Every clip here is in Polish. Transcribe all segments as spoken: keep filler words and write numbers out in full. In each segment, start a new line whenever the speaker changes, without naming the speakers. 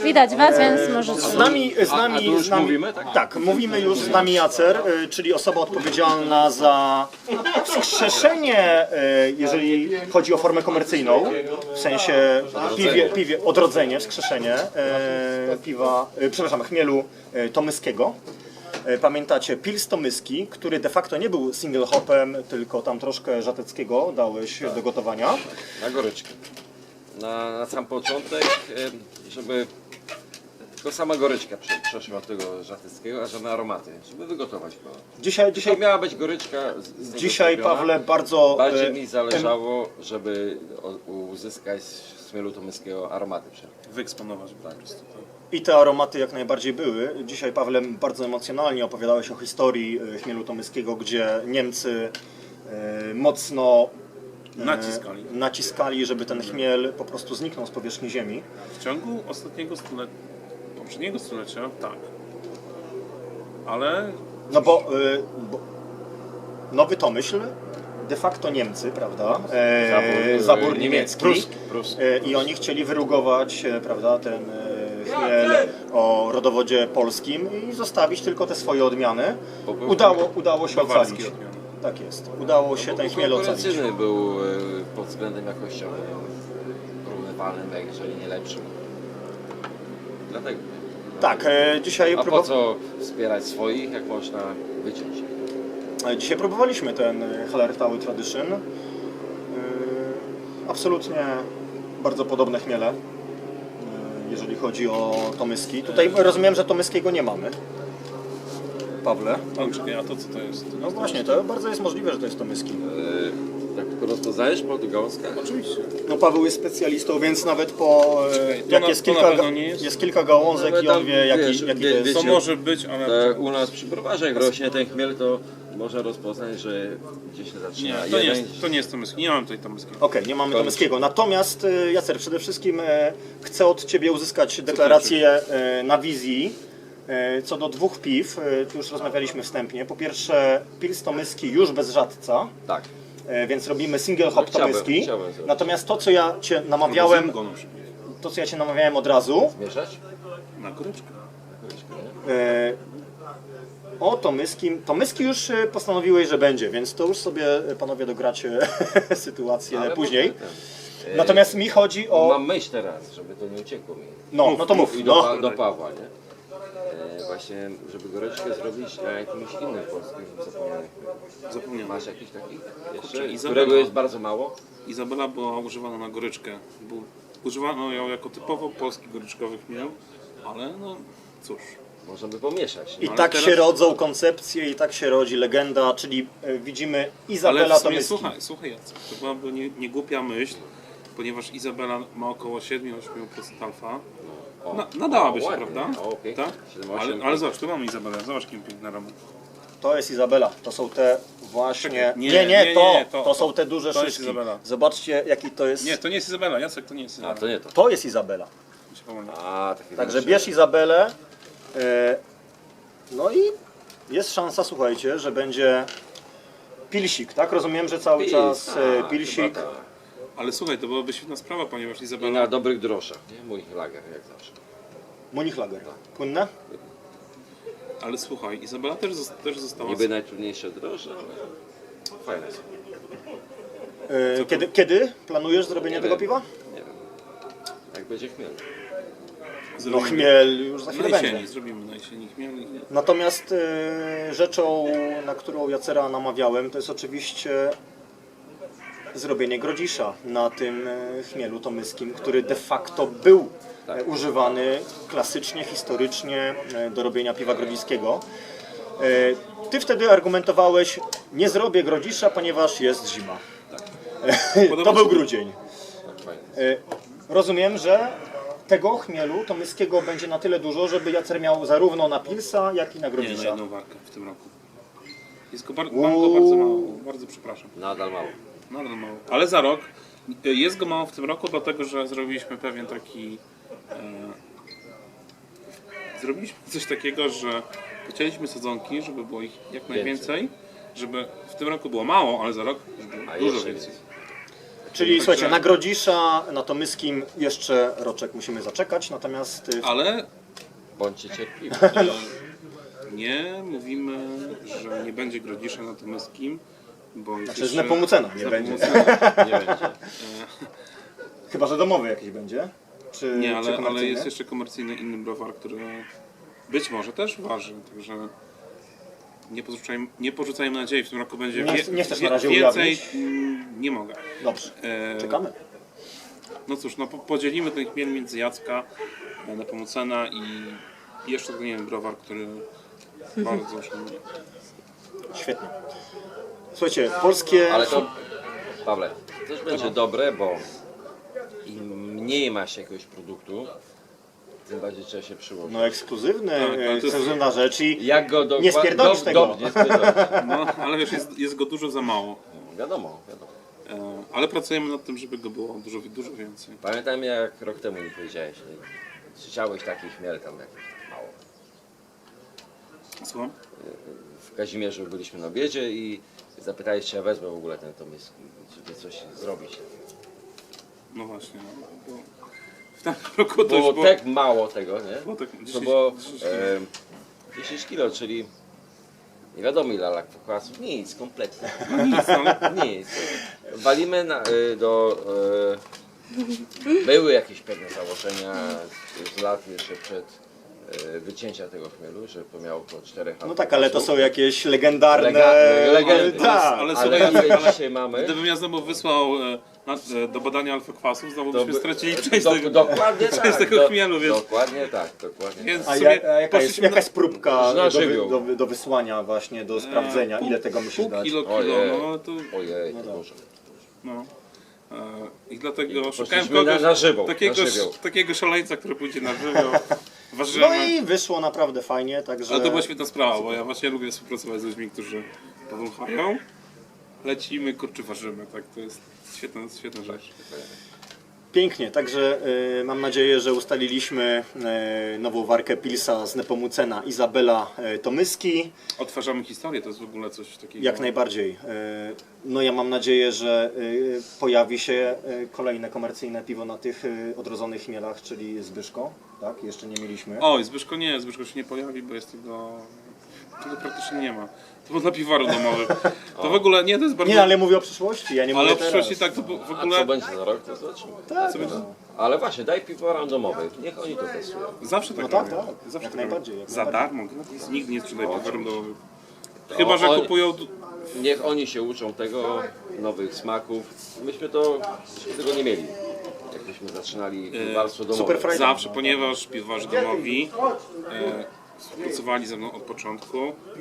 Widać was, więc możecie.
Z nami, z
A, a
nami,
tu już
z nami
mówimy, tak?
tak, mówimy już z nami Jacer, y, czyli osoba odpowiedzialna za wskrzeszenie, y, jeżeli chodzi o formę komercyjną, w sensie piwie, piwie odrodzenie, wskrzeszenie y, piwa, y, przepraszam, chmielu y, tomyskiego. Y, Pamiętacie Pils Tomyski, który de facto nie był single hopem, tylko tam troszkę żateckiego dałeś do gotowania.
Na goryczkę. Na, na sam początek, em, żeby tylko sama goryczka prze, przeszła od tego żatyckiego, a żadne aromaty, żeby wygotować go.
Dzisiaj,
To
dzisiaj,
miała być goryczka z, z niego
dzisiaj
zrobiona.
Pawle, bardzo...
Bardziej
y,
mi zależało, żeby o- uzyskać z chmielu tomyskiego aromaty.
Wyeksponować po prostu. Tak.
I te aromaty jak najbardziej były. Dzisiaj, Pawle, bardzo emocjonalnie opowiadałeś o historii e, chmielu tomyskiego, gdzie Niemcy e, mocno e,
Naciskali.
naciskali, żeby ten chmiel po prostu zniknął z powierzchni ziemi.
W ciągu ostatniego stulecia, poprzedniego stulecia, tak. Ale
No bo, e, bo Nowy Tomyśl, de facto Niemcy, prawda? E,
Zabór,
zabór
e,
niemiecki.
pruski, pruski.
E, I oni chcieli wyrugować, e, prawda, ten e, chmiel o rodowodzie polskim i zostawić tylko te swoje odmiany. Udało, udało się
bawarskie
ocalić.
odmiany.
Tak jest. Udało się ten chmiel ocalić.
Konkurencyjny był e, pod względem jakościowym, porównywalnym, jak jeżeli nie lepszym. Dlatego.
Tak, e, dzisiaj,
A po
próbu-
co wspierać swoich, jak można wyciąć?
e, dzisiaj próbowaliśmy ten e, Hallertau Tradition. E, Absolutnie bardzo podobne chmiele, e, jeżeli chodzi o tomyski. Tutaj rozumiem, że tomyskiego nie mamy. Pawle?
ale czekaj, a to co to jest?
No właśnie, to bardzo jest możliwe, że to jest tomyski.
E, tak tylko rozpoznajesz po tych gałązkach?
Oczywiście.
No Paweł jest specjalistą, więc nawet po... e,
Czekaj, to
jak
na-
jest,
to na
kilka,
pewno
ga-
nie jest?
jest kilka gałązek
No,
i on
tam,
wie, jaki,
wiesz,
jaki
wie-
to jest.
To
wiecie,
może być, ale...
Tak, u nas przy browarze jak rośnie ten chmiel, to można rozpoznać, że gdzieś się
Nie,
zaczyna
to nie,
jeden.
jest, to nie jest tomyski. Nie mam tutaj tomyskiego.
Okej, nie mamy
To-
tomyskiego. Natomiast e, Jacer, przede wszystkim e, chcę od Ciebie uzyskać deklarację e, na wizji e, co do dwóch piw. E, tu już rozmawialiśmy wstępnie. Po pierwsze Pils tomyski już bez żadca,
Tak.
e, więc robimy single hop
No, chciałbym-
tomyski.
chciałbym zrobić.
Natomiast to, co ja Cię namawiałem,
Go na przykład.
to, co ja Cię namawiałem od razu,
Mieszać?
Na goryczkę.
Goryczkę, nie?
e, o tomyski, tomyski już e, postanowiłeś, że będzie, więc to już sobie e, panowie dogracie sytuację
Ale
później.
może ten, e,
Natomiast mi chodzi o...
Mam myśl teraz, żeby to nie uciekło mi.
No, no to mów.
I do,
No.
Pa- do Pawła, nie? E, właśnie, żeby goryczkę zrobić na jakimś innym polskim zapomnianym.
Zapomniałem.
Masz jakiś taki? Jeszcze?
Kurczę, Izabela.
Którego jest bardzo mało?
Izabela była używana na goryczkę. Był, używano ją jako typowo polski goryczkowy chmiel, ale no cóż.
Można by pomieszać.
I
Nie?
ale
tak
teraz-
się rodzą koncepcje, i tak się rodzi legenda, czyli e, widzimy
Ale
Izabela
w sumie,
Tomyski.
słuchaj, słuchaj Jacek, to byłaby nie, nie głupia myśl, ponieważ Izabela ma około siedem do ośmiu procent alfa.
O,
Na, nadałaby
o,
się,
ładnie.
prawda?
O, pięknie.
Tak?
siedem,
Ale,
osiem.
ale zobacz, tu mamy Izabelę, zobacz kim piękny aromat.
To jest Izabela, to są te właśnie...
Czekaj,
Nie,
nie,
nie,
nie,
to,
nie,
to,
to-
są te duże
to jest
szyszki.
Izabela.
Zobaczcie, jaki to jest...
Nie, to nie jest Izabela, Jacek, to nie jest
A,
Izabela.
to nie to.
To jest Izabela.
Mi się pomyliło.
A, takie
Także
większe.
bierz Izabelę. E, no i jest szansa, słuchajcie, że będzie pilsik, tak? Rozumiem, że cały
Pils,
czas e,
a,
pilsik.
chyba tak.
Ale słuchaj, to byłaby świetna sprawa, ponieważ
I
Izabela...
na dobrych groszach, nie? Mój lager, jak zawsze.
Munichtlager. Płynne?
Ale słuchaj, Izabela też, zos- też została...
Niby najtrudniejsze droże, ale fajne są.
E, kiedy, kiedy planujesz zrobienie
Nie
tego
wiem.
piwa?
Nie wiem. Jak będzie chmiel.
No
Zrobimy
chmiel już za chwilę
na
będzie.
jesieni, zrobimy na jesieni chmiel. i-
Natomiast e, rzeczą, na którą Jacera namawiałem, to jest oczywiście zrobienie grodzisza na tym e, chmielu tomyskim, który de facto był e, używany klasycznie, historycznie e, do robienia piwa grodziskiego. E, Ty wtedy argumentowałeś, nie zrobię grodzisza, ponieważ jest zima. To był grudzień.
Tak, fajne.
E, Rozumiem, że tego chmielu tomyskiego będzie na tyle dużo, żeby Jacer miał zarówno na pilsa, jak i na
Nie, na
grodzisza.
jedną warkę w tym roku. Jest go bar- mam go bardzo mało, bardzo przepraszam.
Nadal mało.
Nadal mało. Ale za rok, jest go mało w tym roku, dlatego że zrobiliśmy pewien taki... E, zrobiliśmy coś takiego, że chcieliśmy sadzonki, żeby było ich jak najwięcej, żeby w tym roku było mało, ale za rok żeby
A
było dużo
jeszcze
więcej.
więcej.
Czyli
Także-
słuchajcie, na Grodzisza, na Tomyskim jeszcze roczek musimy zaczekać, natomiast y,
Ale
Bądźcie cierpliwi.
e, nie mówimy, że nie będzie Grodzisza na Tomyskim, bo jest
znaczy z
jeszcze-
Nepomucena nie
z
będzie.
Nepomucena.
Nie będzie.
Chyba że domowy jakiś będzie? Czy,
Nie,
czy
ale, ale
komercyjny?
jest jeszcze komercyjny inny browar, który być może też waży, także nie porzucajmy, nie porzucajmy nadziei, w tym roku będzie
Nie-
wie,
nie chcesz
wie,
na razie
więcej,
ujawnić?
mm, nie mogę.
Dobrze,
E,
czekamy.
No cóż, no po- podzielimy ten chmiel między Jacka, e, Nepomucena i jeszcze ten jeden browar, który bardzo szanuję.
Świetnie. Słuchajcie, polskie...
Ale to, Pawle, też będzie dobre, bo im mniej ma się jakiegoś produktu, tym bardziej trzeba się przyłożyć.
No ekskluzywny,
Tak, ale to jest-
ekskluzywna rzecz i
Jak go dokła-
Nie spierdolisz
do-
tego.
do- Nie spierdolisz.
No, ale wiesz, jest, jest go dużo za mało.
Wiadomo, wiadomo.
E, ale pracujemy nad tym, żeby go było dużo, dużo więcej.
Pamiętam jak rok temu mi powiedziałeś, że chciałeś taki chmiel tam jakiś mało.
Słucham?
W Kazimierzu byliśmy na obiedzie i zapytałeś, czy ja wezmę w ogóle ten tomysk, żeby coś zrobić.
No właśnie, no, bo w tamtym roku to
Było
już było...
tak mało tego, nie?
było tak
To
dziesięć-
było
dziesięć
e, dziesięć kilo, czyli nie wiadomo ile lakwasów, nic, kompletnie.
No nic, no.
Nic. Walimy na, y, do... Y, były jakieś pewne założenia z lat jeszcze przed y, wycięcia tego chmielu, że to miało około czterech lat.
no tak, ale to są jakieś legendarne...
Lega- legendy.
Tak.
Ale
Ale
słuchaj,
ile
ale
dzisiaj mamy?
gdybym ja znowu wysłał e, na, e, do badania alfa-kwasów, znowu
To
byśmy
by-
stracili część
do,
tego,
dokładnie
część
tak.
tego
do-
chmielu, więc,
Dokładnie tak, dokładnie
więc
tak.
A,
w
ja,
sumie
a jaka, jest,
poszliśmy
jaka jest próbka
Na
do, wy,
żywioł.
do, do wysłania właśnie, do sprawdzenia,
pół-
ile tego musisz
pół
dać?
kilo, kilo,
Ojej.
no ale to...
Ojej,
No
to
tak.
dużo.
No. E, I dlatego
I
szukałem
poszliśmy
kogoś,
na- na żywioł,
takiego,
na żywioł.
takiego szaleńca, który pójdzie na żywioł. Ważymy.
No i wyszło naprawdę fajnie, także...
Ale to była świetna sprawa, bo ja właśnie lubię współpracować z ludźmi, którzy powąchają. Lecimy, kurczę, ważymy, tak? To jest świetna, świetna rzecz.
Pięknie, także y, mam nadzieję, że ustaliliśmy y, nową warkę Pilsa z Nepomucena Izabela y, Tomyski.
Odtwarzamy historię, to jest w ogóle coś takiego...
Jak najbardziej. Y, no ja mam nadzieję, że y, pojawi się y, kolejne komercyjne piwo na tych y, odrodzonych chmielach, czyli Zbyszko. Tak, jeszcze nie mieliśmy.
Oj, Zbyszko nie, Zbyszko się nie pojawi, bo jest tego... Tego praktycznie nie ma. To było dla piwaru domowych. To w ogóle, nie, to jest bardzo...
Nie, ale mówię o przyszłości, ja nie
ale
mówię
w
teraz.
przyszłości tak, to w
A co
ogóle...
będzie za rok, to zobaczymy.
Tak,
Co będzie-
no.
Ale właśnie, daj piwo randomowych, niech oni to testują.
Zawsze tak
No tak,
robią.
tak.
Zawsze
Jak
tak
najbardziej,
robią.
jak
Za
najbardziej.
darmo, gratis. Nikt nie sprzedaje
No,
piwarem
oczywiście.
domowym. Chyba, że
oni-
kupują...
Niech oni się uczą tego, nowych smaków. Myśmy to, myśmy tego nie mieli. Jakbyśmy zaczynali piwarstwo domowe.
Super frajda.
Zawsze, ponieważ piwowarzy domowi e, współpracowali ze mną od początku.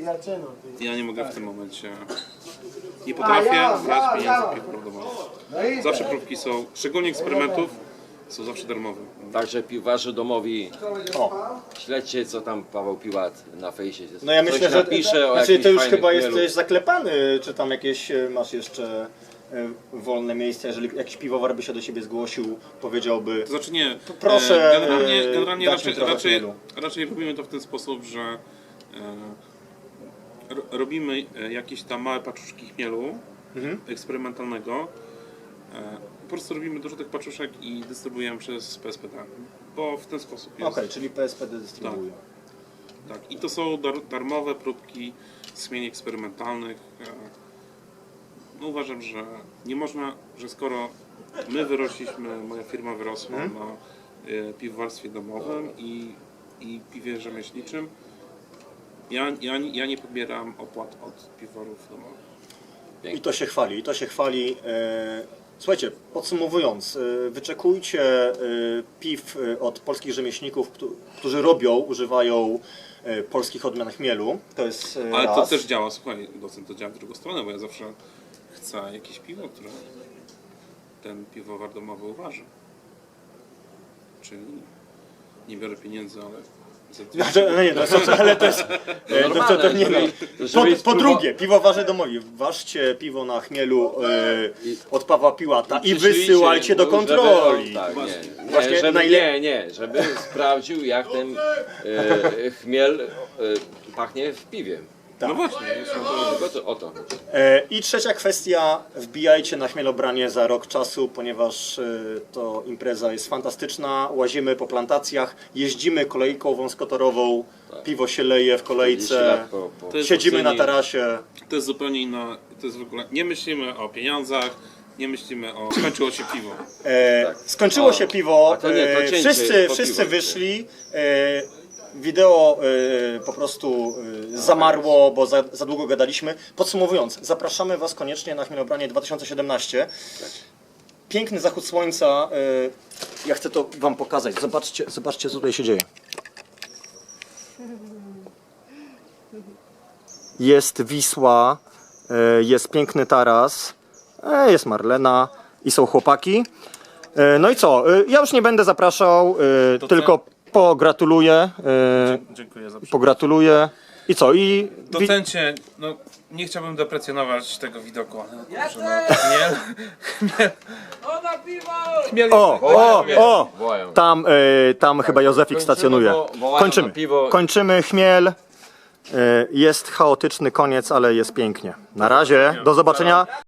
Ja nie mogę w tym momencie... Nie potrafię brać pieniędzy od piwowarów domowych. Zawsze próbki są, szczególnie eksperymentów, są zawsze darmowe.
Także piwarzy domowi,
O.
śledźcie co tam Paweł Piłat na fejsie.
No ja
Coś
myślę, że
napisze o
znaczy,
jakimś
to już
fajnym
chyba
chmielu.
jesteś zaklepany, czy tam jakieś e, masz jeszcze e, wolne miejsce, jeżeli jakiś piwowar by się do siebie zgłosił, powiedziałby...
To znaczy nie,
proszę,
e, generalnie,
e,
generalnie
dać mi
raczej,
trochę
raczej,
chmielu.
raczej robimy to w ten sposób, że e, ro- robimy e, jakieś tam małe paczuszki chmielu
Mhm.
eksperymentalnego. E, po prostu robimy dużo tych paczuszek i dystrybuujemy przez P S P D, bo w ten sposób jest.
Okej, czyli P S P D dystrybuuje.
Tak, i to są dar, darmowe próbki z chmieli eksperymentalnych. E, No uważam, że nie można, że skoro my wyrośliśmy, moja firma wyrosła
Mhm.
na e, piwowarstwie domowym i, i piwie rzemieślniczym, ja, ja, ja nie pobieram opłat od piwowarów domowych.
I to się chwali, i to się chwali. E, Słuchajcie, podsumowując, e, wyczekujcie e, piw e, od polskich rzemieślników, któ- którzy robią, używają e, polskich odmian chmielu. To jest e,
Ale
raz.
to też działa, słuchaj, docent, to działa w drugą stronę, bo ja zawsze chcę jakieś piwo, które ten piwowar domowy uważa. Czyli nie biorę pieniędzy, ale za
Znaczy, no nie, to jest, ale to jest. e, to, to, to nie no.
żeby-
Po,
żeby
po
spróbować-
drugie, piwowarze domowi, ważcie piwo na chmielu e, od Pawła Piłata i
Przyszlijcie,
wysyłajcie do
no,
kontroli.
Żeby, tak, nie, nie,
Właśnie
żeby,
najle-
nie, nie, żeby sprawdził jak ten e, chmiel e, pachnie w piwie.
No właśnie, jest to...
Tylko to, o to chodzi.
E, I trzecia kwestia, wbijajcie na Chmielobranie za rok czasu, ponieważ e, to impreza jest fantastyczna. Łazimy po plantacjach, jeździmy kolejką wąskotorową, piwo się leje w
trzydzieści
kolejce,
lat po, po...
To jest
siedzimy na
oceni-
tarasie.
To jest zupełnie inna, to jest w ogóle, nie myślimy o pieniądzach, nie myślimy o... Skończyło się piwo.
E,
Tak.
skończyło
O,
się piwo,
a to nie, to
e,
cięcie
wszyscy,
po
wszyscy
piwo.
wyszli. E, wideo e, po prostu e, zamarło, bo za, za długo gadaliśmy. Podsumowując, zapraszamy Was koniecznie na Chmielobranie dwa tysiące siedemnaście. Piękny zachód słońca. E, ja chcę to Wam pokazać. Zobaczcie, zobaczcie co tutaj się dzieje. Jest Wisła, e, jest piękny taras, e, jest Marlena i są chłopaki. E, No i co? E, Ja już nie będę zapraszał, e,
To
tylko pogratuluję. e,
Dziękuję za
Pogratuluję. I co? I wi-
Docencie, no nie chciałbym deprecjonować tego widoku, ale no kurczę, no, chmiel, chmiel, chmiel
o, o, o!
Wołają.
Tam, e, tam chyba Józefik stacjonuje.
bo wołają
Kończymy.
na piwo.
Kończymy chmiel. E, Jest chaotyczny koniec, ale jest pięknie. Na razie. Do zobaczenia.